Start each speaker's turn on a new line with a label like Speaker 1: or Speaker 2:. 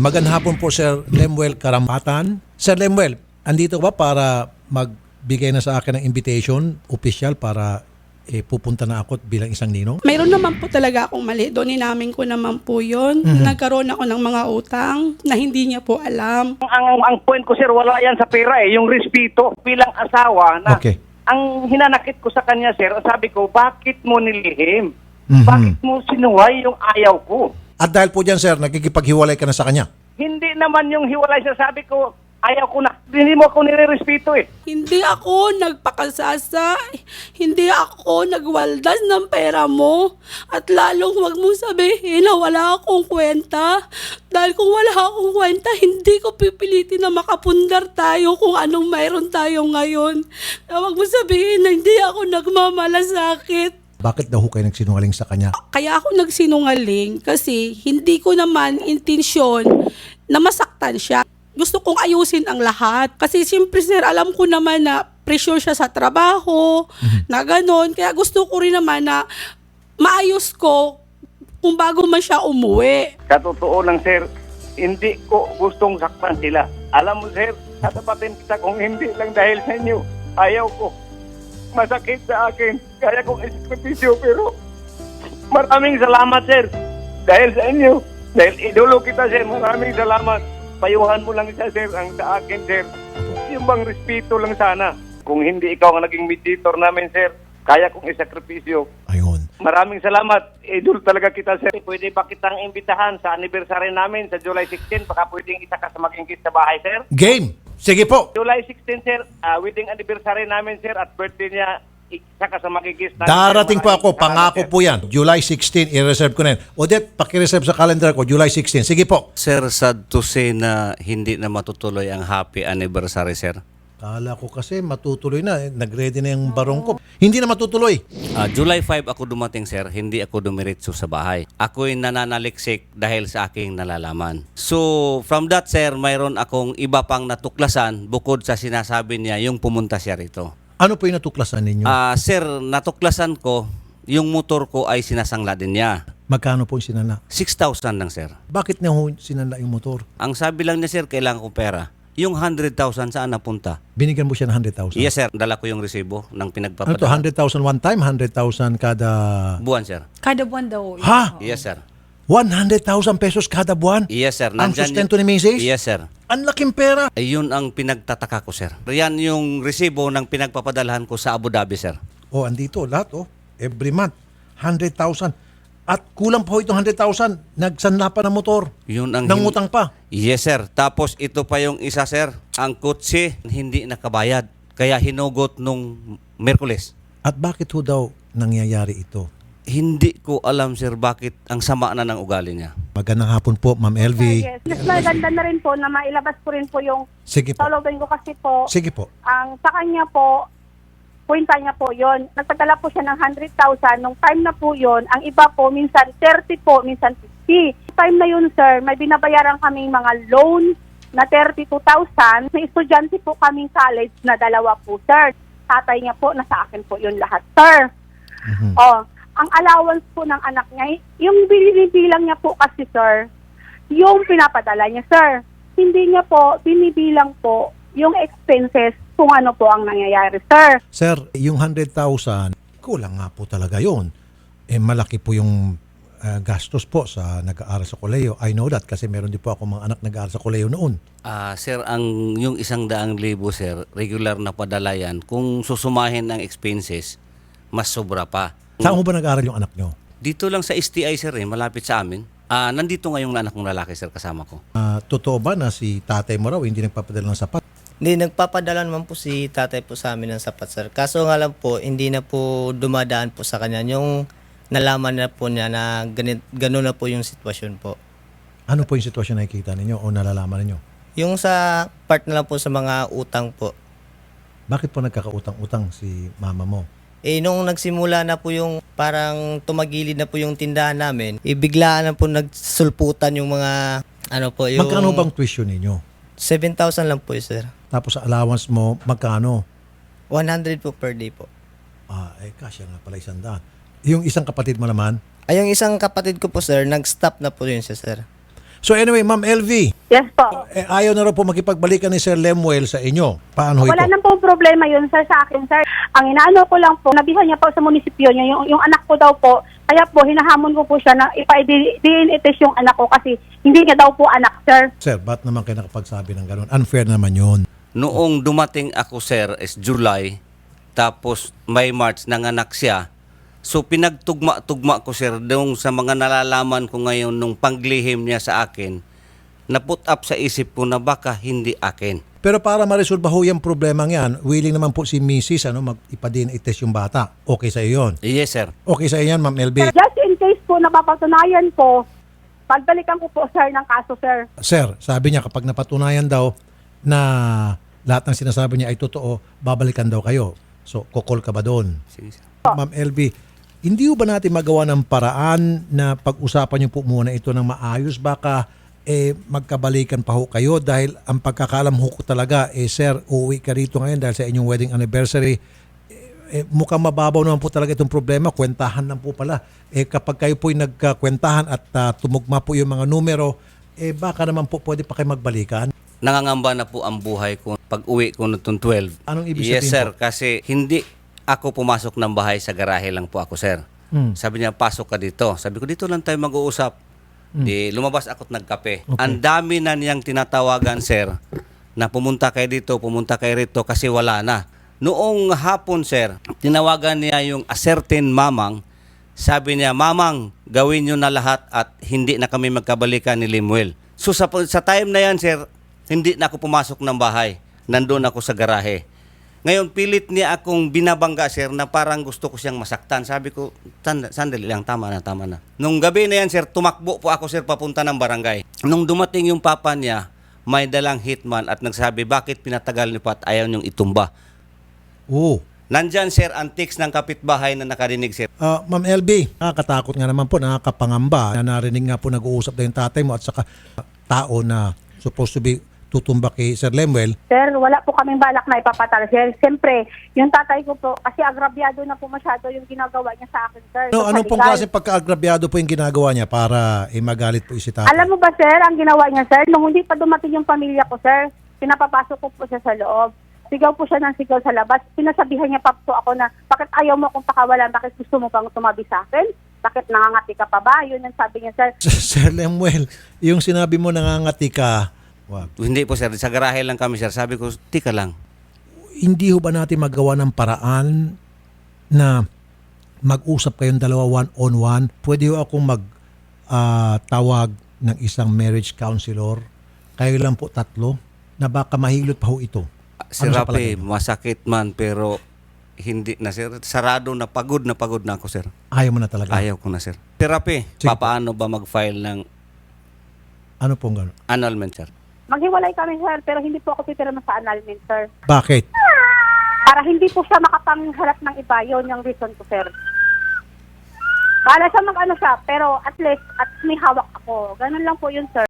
Speaker 1: Magandang hapon po, Sir Lemuel Karampatan. Sir Lemuel, andito ba para magbigay na sa akin ng invitation official para pupunta na ako bilang isang ninong?
Speaker 2: Mayroon naman po talaga akong mali. Doon inamin ko naman po yun. Nagkaroon ako ng mga utang na hindi niya po alam.
Speaker 3: Ang point ko, sir, wala yan sa pera yung respeto bilang asawa na
Speaker 1: Okay.
Speaker 3: ang hinanakit ko sa kanya, sir, sabi ko, bakit mo nilihim?
Speaker 1: Mhm.
Speaker 3: Bakit mo sinuway yung ayaw ko?
Speaker 1: At dahil po dyan, sir, nakikipaghiwalay ka na sa kanya.
Speaker 3: Hindi naman yung hiwalay, sir, sabi ko, ayaw ko na. Hindi mo ako nire-respeto eh.
Speaker 2: Hindi ako nagpakasasa. Hindi ako nagwaldas ng pera mo. At lalong huwag mong sabihin na wala akong kwenta. Dahil kung wala akong kwenta, hindi ko pipilitin na makapundar tayo kung anong mayroon tayo ngayon. Huwag mong sabihin na hindi ako nagmamalasakit.
Speaker 1: Bakit daw ho kayo nagsinungaling sa kanya?
Speaker 2: Kaya ako nagsinungaling kasi hindi ko naman intensyon na masaktan siya. Gusto kong ayusin ang lahat. Kasi siyempre sir, alam ko naman na pressure siya sa trabaho, na gano'n. Kaya gusto ko rin naman na maayos ko kung bago man siya umuwi.
Speaker 3: Sa totoo lang, sir, hindi ko gustong saktan sila. Alam mo, sir, tatapatin kita kung hindi lang dahil sa inyo. Ayaw ko. Masakit sa akin. Kaya kong isakripisyo, pero maraming salamat, sir. Dahil sa inyo. Dahil idolo kita, sir. Maraming salamat. Payuhan mo lang siya, sir, ang sa akin, sir. Yung bang respeto lang sana. Kung hindi ikaw ang naging mediator namin, sir, kaya kong isakripisyo.
Speaker 1: Ayun.
Speaker 3: Maraming salamat. Idol talaga kita, sir. Pwede ba kitang imbitahan sa anniversary namin sa July 16? Baka pwedeng isa ka sa maging guest sa bahay, sir.
Speaker 1: Game! Sige po!
Speaker 3: July 16, sir, wedding anniversary namin, sir, at birthday niya, isa ka sa maging guest namin.
Speaker 1: Darating
Speaker 3: sir.
Speaker 1: po ako,
Speaker 3: Maraming
Speaker 1: pangako
Speaker 3: salamat,
Speaker 1: po yan. July 16, i-reserve ko na yan. Odette, pakireserve sa calendar ko, July 16. Sige po.
Speaker 4: Sir, sad to say na hindi na matutuloy ang happy anniversary, sir.
Speaker 1: Kala ko kasi matutuloy na. Nag-ready na yung barong ko. Hindi na matutuloy.
Speaker 4: July 5 ako dumating, sir. Hindi ako dumiretso sa bahay. Ako'y nananaliksik dahil sa aking nalalaman. So, from that, sir, mayroon akong iba pang natuklasan bukod sa sinasabi niya yung pumunta siya rito.
Speaker 1: Ano po yung natuklasan ninyo?
Speaker 4: Sir, natuklasan ko yung motor ko ay sinasangla din niya.
Speaker 1: Magkano po yung sinala?
Speaker 4: 6,000 lang, sir.
Speaker 1: Bakit niya ho sinala yung motor?
Speaker 4: Ang sabi lang niya, sir, kailangan ko pera. Yung 100,000 saan napunta?
Speaker 1: Binigyan mo siya ng 100,000?
Speaker 4: Yes, sir. Dala ko yung resibo ng
Speaker 1: Ano to,
Speaker 4: pinagpapadala.
Speaker 1: 100,000 one time, 100,000 kada...
Speaker 4: Buwan, sir.
Speaker 5: Kada buwan daw.
Speaker 1: Ha?
Speaker 4: Yes, sir.
Speaker 1: 100,000 pesos kada buwan?
Speaker 4: Yes, sir.
Speaker 1: Ang
Speaker 4: Nandyan
Speaker 1: sustento ni Mrs.?
Speaker 4: Yes, sir.
Speaker 1: Ang laking pera.
Speaker 4: Ayun ang pinagtataka ko, sir. Yan yung resibo ng pinagpapadalahan ko sa Abu Dhabi, sir.
Speaker 1: Oh, andito, lahat oh. Every month, 100,000. At kulang pa ho itong 100,000. Nagsanla pa ng motor.
Speaker 4: Yun ang
Speaker 1: Nangutang pa.
Speaker 4: Yes, sir. Tapos ito pa yung isa, sir. Ang kotse hindi nakabayad. Kaya hinugot nung Merkules.
Speaker 1: At bakit ho daw nangyayari ito?
Speaker 4: Hindi ko alam, sir, bakit ang sama na ng ugali niya.
Speaker 1: Magandang hapon po, Ma'am LV.
Speaker 6: Yes. Mas maganda na rin po na mailabas ko rin po yung
Speaker 1: Sige po.
Speaker 6: tawagin ko kasi po,
Speaker 1: Sige po.
Speaker 6: ang sa kanya po, kwenta niya po yon. Nagpadala po siya ng 100,000. Nung time na po yon, ang iba po, minsan 30 po, minsan 50. Time na yun, sir, may binabayaran kaming mga loan na 32,000. May estudyante po kaming college na dalawa po, sir. Tatay niya po, nasa akin po yun lahat, sir. Oh, ang allowance po ng anak niya, yung binibilang niya po kasi, sir, yung pinapadala niya, sir. Hindi niya po binibilang po yung expenses kung ano po ang nangyayari, sir.
Speaker 1: Sir, yung 100,000, kulang nga po talaga yun. Malaki po yung gastos po sa nag-aaral sa koleyo. I know that kasi meron din po ako mga anak nag-aaral sa koleyo noon.
Speaker 4: Sir, yung 100,000, sir, regular na padala yan. Kung susumahin ang expenses, mas sobra pa.
Speaker 1: Saan mo ba nag-aaral yung anak nyo?
Speaker 4: Dito lang sa STI, sir, malapit sa amin. Nandito nga yung anak ng lalaki, sir, kasama ko.
Speaker 1: Totoo ba na si tatay mo raw hindi nagpapadala ng sapat?
Speaker 7: Hindi, nagpapadala naman po si tatay po sa amin ng sapat, sir. Kaso nga lang po, hindi na po dumadaan po sa kanya. Yung nalaman na po niya na gano'n na po yung sitwasyon po.
Speaker 1: Ano po yung sitwasyon na nakikita ninyo o nalalaman ninyo?
Speaker 7: Yung sa part na lang po sa mga utang po.
Speaker 1: Bakit po nagkakautang-utang si mama mo?
Speaker 7: Nung nagsimula na po yung parang tumagilid na po yung tindahan namin, biglaan na po nagsulputan yung mga, yung...
Speaker 1: Magkano bang tuition ninyo?
Speaker 7: 7,000 lang po, sir.
Speaker 1: Tapos sa allowance mo, magkano?
Speaker 7: 100 po per day po.
Speaker 1: Kasya nga pala 100. Yung isang kapatid mo naman,
Speaker 7: Ay, yung isang kapatid ko po, sir, nag-stop na po yun siya, sir.
Speaker 1: So anyway, Ma'am LV,
Speaker 6: Yes po.
Speaker 1: ayaw na raw po makipagbalikan ni Sir Lemuel sa inyo. Paano
Speaker 6: Wala
Speaker 1: ito?
Speaker 6: nang po problema yun, sir, sa akin, sir. Ang inaano ko lang po, nabihan niya po sa munisipyo niya, yung anak ko daw po, kaya po, hinahamon ko po siya na ipa-DNA test yung anak ko kasi hindi niya daw po anak, sir.
Speaker 1: Sir, ba't naman kayo nakapagsabi ng ganun? Unfair naman yun.
Speaker 4: Noong dumating ako, sir, is July, tapos may March, nanganak siya. So pinagtugma-tugma ko, sir, doon sa mga nalalaman ko ngayon nung panglihim niya sa akin, na-put up sa isip ko na baka hindi akin.
Speaker 1: Pero para ma-resolve ho yung problema yan, willing naman po si Mrs. Mag-ipa-DNA test yung bata. Okay sa iyo yun?
Speaker 4: Yes, sir.
Speaker 1: Okay sa iyo yan, Ma'am LV?
Speaker 6: Just in case po napapatunayan po, pagbalikan ko po, sir, ng kaso, sir.
Speaker 1: Sir, sabi niya kapag napatunayan daw na lahat ng sinasabi niya ay totoo, babalikan daw kayo. So, kokol ka ba doon?
Speaker 4: Sige, sir.
Speaker 1: Ma'am LV, hindi ba natin magawa ng paraan na pag-usapan niyo po muna ito ng maayos? Baka magkabalikan pa ho kayo dahil ang pagkakalam ho ko talaga, sir, uuwi ka rito ngayon dahil sa inyong wedding anniversary. Mukhang mababaw naman po talaga itong problema. Kwentahan lang po pala. Kapag kayo po'y nagkakwentahan at tumugma po yung mga numero, baka naman po pwede pa kayo magbalikan.
Speaker 4: Nangangamba na po ang buhay ko pag uwi ko nitong 12.
Speaker 1: Anong ibig
Speaker 4: Yes,
Speaker 1: sabihin
Speaker 4: sir.
Speaker 1: po?
Speaker 4: Kasi hindi ako pumasok ng bahay, sa garahe lang po ako, sir. Sabi niya, pasok ka dito. Sabi ko, dito lang tayo mag-uusap. Di lumabas ako't nagkape.
Speaker 1: Okay.
Speaker 4: Ang dami na niyang tinatawagan, sir, na pumunta kayo dito, pumunta kayo rito kasi wala na. Noong hapon, sir, tinawagan niya yung a certain mamang. Sabi niya, mamang, gawin niyo na lahat at hindi na kami magkabalikan ni Lemuel. So sa time na yan, sir, hindi na ako pumasok ng bahay. Nandun ako sa garahe. Ngayon, pilit niya akong binabangga, sir, na parang gusto ko siyang masaktan. Sabi ko, sandali lang, tama na, tama na. Nung gabi na yan, sir, tumakbo po ako, sir, papunta ng barangay. Nung dumating yung papa niya, may dalang hitman at nagsabi, bakit pinatagal niyo pa at ayaw niyong itumba?
Speaker 1: Oo.
Speaker 4: Nandyan, sir, ang text ng kapitbahay na nakarinig, sir.
Speaker 1: Ma'am LB, nakakatakot nga naman po, nakakapangamba. Na narinig nga po nag-uusap na yung tatay mo at saka tao na supposed to be tutumba kay Sir Lemuel.
Speaker 6: Sir, wala po kaming balak na ipapatal, sir. Siyempre, yung tatay ko po, kasi agrabyado na po masyado yung ginagawa niya sa akin, sir.
Speaker 1: No,
Speaker 6: Sa
Speaker 1: anong pong
Speaker 6: legal.
Speaker 1: klase pagka-agrabyado po yung ginagawa niya para magalit po si tatay?
Speaker 6: Alam mo ba, sir, ang ginawa niya, sir, nung hindi pa dumating yung pamilya ko, sir, pinapapasok ko po siya sa loob. Sigaw po siya ng sigaw sa labas. Pinasabihan niya pa po ako na, bakit ayaw mo akong pakawalan? Bakit gusto mo pang tumabi sa akin? Bakit nangangati ka pa ba? Yun ang sabi niya, sir.
Speaker 1: Sir Lemuel, yung sinabi mo nangangati ka, wag.
Speaker 4: Hindi po, sir. Sa garahe lang kami, sir. Sabi ko, tika lang.
Speaker 1: Hindi ho ba natin magawa ng paraan na mag-usap kayong dalawa one-on-one? Pwede ho akong tawag ng isang marriage counselor. Kayo lang po tatlo na baka mahilot pa ho ito.
Speaker 4: Sir
Speaker 1: Ano sa
Speaker 4: Rapi,
Speaker 1: palagay mo?
Speaker 4: masakit man pero hindi na, sir. Sarado na pagod na ako, sir.
Speaker 1: Ayaw mo na talaga.
Speaker 4: Ayaw ko na, sir. Sir Rapi,
Speaker 1: Sige po.
Speaker 4: papaano ba mag-file ng
Speaker 1: Ano pong gano'n?
Speaker 4: annulment, sir?
Speaker 6: Maghiwalay kami, sir, pero hindi po ako pipirma sa annulment, sir.
Speaker 1: Bakit?
Speaker 6: Para hindi po siya makapangharap ng iba, yun yung reason ko, sir. Bala siya mag-ano siya, pero at least may hawak ako. Ganun lang po yun, sir.